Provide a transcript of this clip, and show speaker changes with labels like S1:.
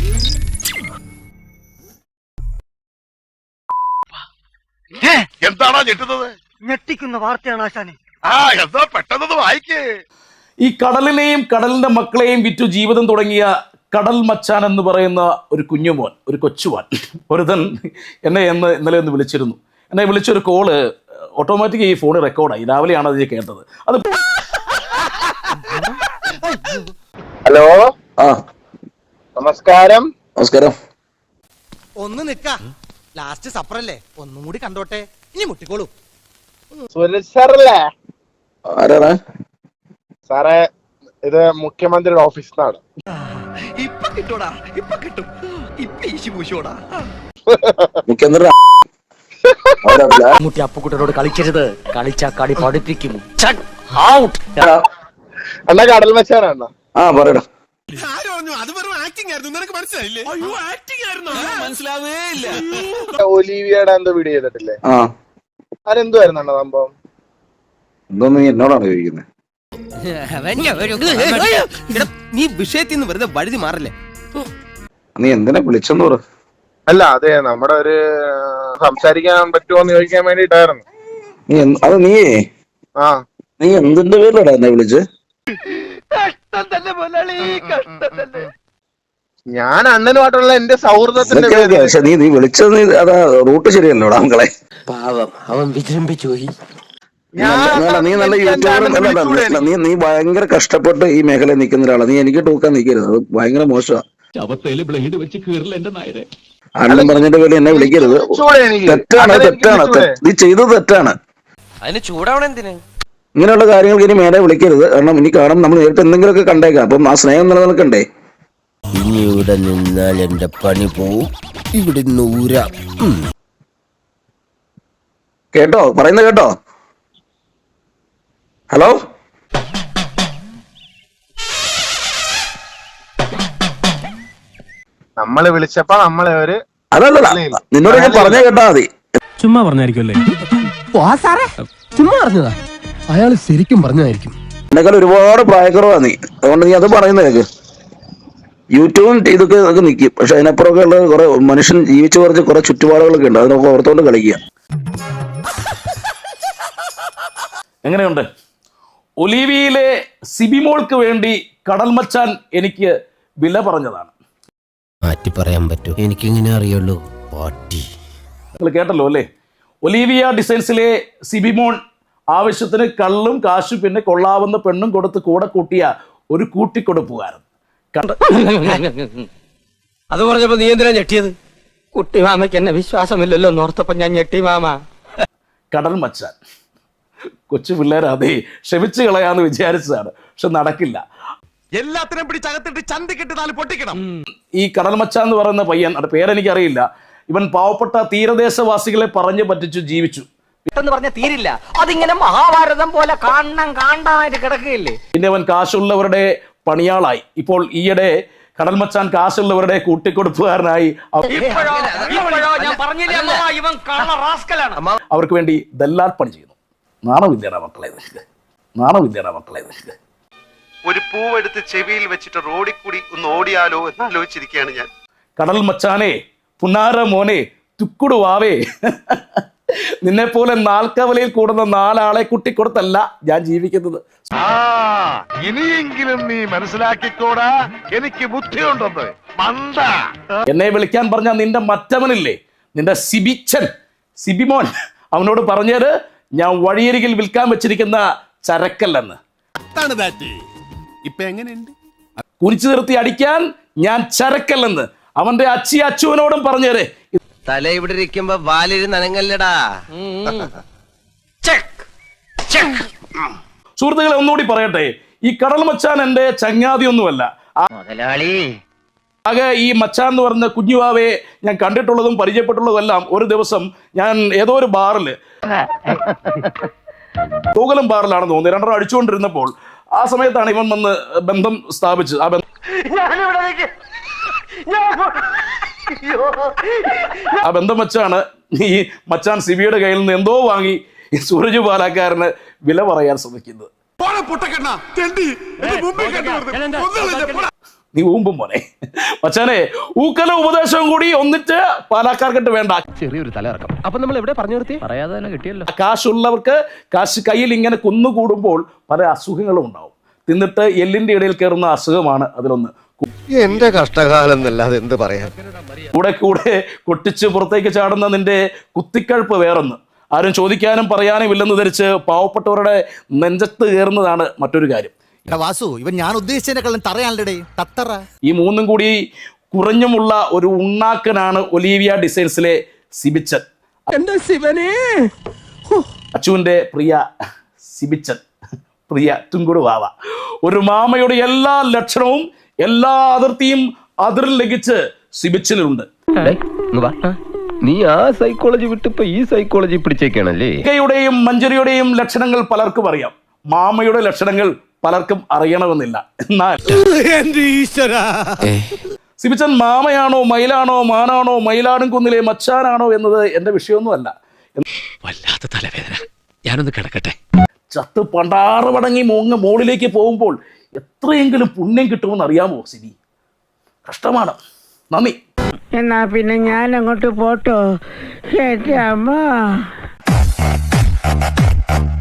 S1: എന്താണോ ഞെട്ടുന്നത്?
S2: ഞെട്ടിക്കുന്ന വാർത്തയാണ് ആശാനെ.
S1: എന്താ പെട്ടെന്ന് വായിക്കേ.
S3: ഈ കടലിനെയും കടലിന്റെ മക്കളെയും വിറ്റു ജീവിതം തുടങ്ങിയ കടൽ മച്ചാൻ എന്ന് പറയുന്ന ഒരു കുഞ്ഞുമോൻ, ഒരു കൊച്ചുമോൻ ഒരുതൻ എന്നെ ഇന്നലെ ഒന്ന് വിളിച്ചിരുന്നു. എന്നെ വിളിച്ചൊരു കോള് ഓട്ടോമാറ്റിക് ഈ ഫോണിൽ റെക്കോർഡായി. രാവിലെയാണ് അത് കേട്ടത്. അത്
S1: ഹലോ, നമസ്കാരം.
S4: നമസ്കാരം.
S5: ഒന്ന് നിക്ക, ലാസ്റ്റ് സപ്പറല്ലേ, ഒന്നും കൂടി കണ്ടോട്ടെ, ഇനി മുട്ടിക്കോളൂ.
S1: സുരേഷ് സാറല്ലേ?
S4: ആരാണ്
S1: സാറേ, ഇത് മുഖ്യമന്ത്രിയുടെ ഓഫീസിൽ നിന്നാണ്.
S5: ഇപ്പൊ കിട്ടൂടാ, ഇപ്പൊ കിട്ടും, ഇപ്പൊ ഈശി പൂശോടാ.
S4: മുഖ്യമന്ത്രി
S2: അപ്പുക്കുട്ടനോട് കളിക്കരുത്, കളിച്ചാ കളി പഠിപ്പിക്കും.
S1: അണ്ണാ കടൽ മച്ചാനാണ്.
S4: പറയടാ.
S1: ഒലീവിയയുടെ എന്തോ വീഡിയോ ചെയ്തിട്ടില്ലേ? അതെന്തുവായിരുന്നു അണ്ണാ സംഭവം?
S4: എന്തോന്ന് നീ എന്നോടാണ് ചോദിക്കുന്നത്?
S5: നീ വിഷയത്തിൽ നിന്ന് വെറുതെ വഴുതി മാറല്ലേ.
S4: നീ എന്തിനാ വിളിച്ചെന്ന് പറ.
S1: അല്ല, അതെ, നമ്മുടെ ഒരു സംസാരിക്കാൻ പറ്റുമോന്ന് ചോദിക്കാൻ വേണ്ടിട്ടായിരുന്നു.
S4: നീ എന്തിന്റെ പേരിലടാ എന്നെ വിളിച്ച്?
S1: ഞാൻ അണ്ണനുമായിട്ടുള്ള എന്റെ സൗഹൃദത്തിന്റെ
S4: പക്ഷെ നീ വിളിച്ചത് അതാ റൂട്ട് ശരിയല്ലോടാ മക്കളെ.
S2: പാവം, അവൻ വിജൃംഭിച്ചു പോയി.
S4: നീ നല്ല യൂട്യൂബർ. നീ ഭയങ്കര കഷ്ടപ്പെട്ട് ഈ മേഖലയിൽ നിൽക്കുന്ന ഒരാളാണ്. നീ എനിക്ക് ടൂക്കാൻ നിൽക്കരുത്, അത് ഭയങ്കര മോശമാണ്. അണ്ണൻ പറഞ്ഞതിന്റെ പേര് എന്നെ വിളിക്കരുത്. തെറ്റാണ്. നീ ചെയ്തത് തെറ്റാണ്.
S5: അതിന് ചൂടാവണം എന്തിന്?
S4: ഇങ്ങനെയുള്ള കാര്യങ്ങൾക്ക് ഇനി മേലെ വിളിക്കരുത്. കാരണം ഇനി കാണും നമ്മൾ നേരിട്ട് എന്തെങ്കിലുമൊക്കെ കണ്ടേക്കാം. അപ്പം ആ സ്നേഹം നിലനിൽക്കണ്ടേ?
S6: ഇനി ഇവിടെ നിന്നാൽ എന്റെ പണി പോവും. ഇവിടെ നൂരാ.
S4: കേട്ടോ, പറയുന്നത് കേട്ടോ? ഹലോ,
S1: നമ്മള് വിളിച്ചപ്പോ നമ്മളെ ഒരു
S4: അതല്ല, നിന്നോട് ഞാൻ പറഞ്ഞ കേട്ടാ മതി.
S7: ചുമ്മാ പറഞ്ഞായിരിക്കുമല്ലേ? ചുമ്മാ പറഞ്ഞതാ. അയാള് ശരിക്കും പറഞ്ഞതായിരിക്കും.
S4: എന്നെക്കാൾ ഒരുപാട് പ്രായക്കുറവാ നീ. അതുകൊണ്ട് നീ അത് പറയുന്നത് കേക്ക്. യൂട്യൂബും ഇതൊക്കെ നിൽക്കും. പക്ഷെ അതിനപ്പുറമൊക്കെ ഉള്ള കുറെ മനുഷ്യൻ ജീവിച്ചു കുറച്ച് കുറെ ചുറ്റുപാടുകളൊക്കെ ഉണ്ട്. അതിനൊക്കെ ഓർത്തോണ്ട് കളിക്കുക.
S3: എങ്ങനെയുണ്ട്? ഒലീവിയിലെ സിബിമോൾക്ക് വേണ്ടി കടൽ മച്ചാൻ എനിക്ക് വില പറഞ്ഞതാണ്.
S6: മാറ്റി പറയാൻ പറ്റൂ? എനിക്കിങ്ങനെ അറിയുള്ളൂ. പാട്ടി
S3: നിങ്ങൾ കേട്ടല്ലോ അല്ലേ? ഒലീവിയ ഡിസൈൻസിലെ സിബിമോൺ ആവശ്യത്തിന് കള്ളും കാശും പിന്നെ കൊള്ളാവുന്ന പെണ്ണും കൊടുത്ത് കൂടെ കൂട്ടിയ ഒരു കൂട്ടിക്കൊടുപ്പുകാരൻ.
S2: അത് പറഞ്ഞപ്പോ നീ എന്തിനാ ഞെട്ടിയത്? കുട്ടി മാമയ്ക്ക് എന്നെ വിശ്വാസമില്ലല്ലോ എന്നോർത്തപ്പോ ഞാൻ ഞെട്ടി മാമ.
S3: കടൽ മച്ചാൻ കൊച്ചു പിള്ളേരാതെ ക്ഷമിച്ചു കളയാന്ന് വിചാരിച്ചതാണ്. പക്ഷെ നടക്കില്ല.
S5: എല്ലാത്തിനും പിടിച്ചകത്തിട്ട് ചന്തിക്കിട്ട് നാല് പൊട്ടിക്കണം.
S3: ഈ കടൽ മച്ചാൻ എന്ന് പറയുന്ന പയ്യൻ, അത് പേരെനിക്കറിയില്ല, ഇവൻ പാവപ്പെട്ട തീരദേശവാസികളെ പറഞ്ഞു പറ്റിച്ചു ജീവിച്ചു.
S2: പെട്ടെന്ന് പറഞ്ഞ തീരില്ല, അതിങ്ങനെ മഹാഭാരതം പോലെ കാണാനായിട്ട് കിടക്കുകയില്ലേ.
S3: പിന്നെ അവൻ കാശുള്ളവരുടെ പണിയാളായി. ഇപ്പോൾ ഈയിടെ കടൽ മച്ചാൻ കാശുള്ളവരുടെ കൂട്ടിക്കൊടുപ്പുകാരനായി. അവർക്ക് വേണ്ടി ദല്ലാൽ പണി ചെയ്യുന്നു. നാണമില്ലേടാ മക്കളെ നിനക്ക്? നാണമില്ലേടാ മക്കളെ നിനക്ക്?
S1: ഒരു പൂവെടുത്ത് ചെവിയിൽ വെച്ചിട്ട് റോഡിൽ കൂടി ഒന്ന് ഓടിയാലോ എന്ന് ആലോചിച്ചിരിക്കുകയാണ് ഞാൻ.
S3: കടൽ മച്ചാനെ, പുന്നാര മോനെ, തുക്കുടുവാവേ, നിന്നെപ്പോലെ നാൽക്കവലയിൽ കൂടുന്ന 4 ആളെ കുട്ടിക്കൊടുത്തല്ല ഞാൻ ജീവിക്കുന്നത്.
S1: ഇനിയെങ്കിലും നീ മനസ്സിലാക്കിക്കോടാ, എനിക്ക് ബുദ്ധിയുണ്ടെന്ന്. മന്ദ
S3: എന്നെ വിളിക്കാൻ പറഞ്ഞ നിന്റെ മറ്റവനില്ലേ, നിന്റെ സിബിമോൻ, അവനോട് പറഞ്ഞത് ഞാൻ വഴിയരികിൽ വിൽക്കാൻ വെച്ചിരിക്കുന്ന ചരക്കല്ലെന്ന്. കുനിച്ചു നിർത്തി അടിക്കാൻ ഞാൻ ചരക്കല്ലെന്ന് അവന്റെ അച്ചുവിനോടും പറഞ്ഞേരെ.
S6: തല ഇവിടെ ഇരിക്കുമ്പോ വാലിരി നനങ്ങല്ലടാ.
S3: സുഹൃത്തുക്കളെ, ഒന്നുകൂടി പറയട്ടെ, ഈ കടൽ മച്ചാൻ എന്റെ ചങ്ങാതിയൊന്നുമല്ല. ആകെ ഈ മച്ചാൻ എന്ന് പറഞ്ഞ കുഞ്ഞുവാവയെ ഞാൻ കണ്ടിട്ടുള്ളതും പരിചയപ്പെട്ടുള്ളതും എല്ലാം ഒരു ദിവസം ഞാൻ ഏതോ ഒരു ബാറിൽ, തൂകലം ബാറിലാണെന്ന് തോന്നുന്നു, 2 അടിച്ചുകൊണ്ടിരുന്നപ്പോൾ ആ സമയത്താണ് ഇവൻ വന്ന് ബന്ധം സ്ഥാപിച്ചത്. ആ ബന്ധം വെച്ചാണ് ഈ മച്ചാൻ സിബിയുടെ കയ്യിൽ നിന്ന് എന്തോ വാങ്ങി ഈ സൂരജ് പാലക്കാരന് വില പറയാൻ ശ്രമിക്കുന്നത്. നീ ഊമ്പും മോനെ. മച്ചാനെ ഊക്കല ഉപദേശവും കൂടി ഒന്നിച്ച് പാലക്കാർക്കിട്ട് വേണ്ട.
S7: ചെറിയൊരു തലയിറക്കം. അപ്പൊ നമ്മൾ എവിടെ പറഞ്ഞു നിർത്തി? പറയാതെ തന്നെ കിട്ടിയല്ലോ.
S3: കാശുള്ളവർക്ക് കാശ് കയ്യിൽ ഇങ്ങനെ കുന്നുകൂടുമ്പോൾ പല അസുഖങ്ങളും ഉണ്ടാവും. തിന്നിട്ട് എല്ലിന്റെ ഇടയിൽ കയറുന്ന അസുഖമാണ് അതിലൊന്ന്.
S8: എന്റെ കഷ്ടകാലം എന്നല്ലാതെ എന്ത് പറയാൻ.
S3: കൂടെ കൂടെ കൊട്ടിച്ച് പുറത്തേക്ക് ചാടുന്ന നിന്റെ കുത്തിക്കഴുപ്പ് വേറൊന്ന്. ആരും ചോദിക്കാനും പറയാനും ഇല്ലെന്ന് ധരിച്ച് പാവപ്പെട്ടവരുടെ നെഞ്ചത്ത് കയറുന്നതാണ് മറ്റൊരു കാര്യം.
S5: വാസു, ഇവൻ ഞാൻ ഉദ്ദേശിച്ചതിനെക്കാളും തറയാണല്ലേ തത്തറ.
S3: ഈ മൂന്നും കൂടി കുറഞ്ഞുമുള്ള ഒരു ഉണ്ണാക്കനാണ് ഒലീവിയ ഡിസൈൻസിലെ സിബിച്ചൻ.
S7: എന്റെ ശിവനെ,
S3: അച്ചുവിന്റെ പ്രിയ സിബിച്ചൻ, പ്രിയ തുങ്കുടു വാവ. ഒരു മാമയുടെ എല്ലാ ലക്ഷണവും എല്ലാ അതിർത്തിയും അതിർ ലംഘിച്ച് സിബിച്ചനുണ്ട്.
S7: നീ ആ സൈക്കോളജി വിട്ടിപ്പോ ഈ സൈക്കോളജി പിടിച്ചേക്കാണല്ലേ.
S3: യുടെയും മഞ്ജരിയുടെയും ലക്ഷണങ്ങൾ പലർക്കും അറിയാം. മാമയുടെ ലക്ഷണങ്ങൾ പലർക്കും അറിയണമെന്നില്ല. എന്നാൽ സിബിച്ചൻ മാമയാണോ മയിലാണോ മാനാണോ മയിലാടും കുന്നിലെ മച്ചാനാണോ എന്നത് എന്റെ വിഷയമൊന്നുമല്ല.
S2: വല്ലാത്ത തലവേദന, ഞാനൊന്ന് കിടക്കട്ടെ.
S3: ചത്ത് പണ്ടാറ് മടങ്ങി മോളിലേക്ക് പോകുമ്പോൾ എത്രയെങ്കിലും പുണ്യം കിട്ടുമെന്ന് അറിയാമോ സിബി? കഷ്ടമാണ്. നന്ദി.
S9: എന്നാ പിന്നെ ഞാൻ അങ്ങോട്ട് പോട്ടോ. അമ്മ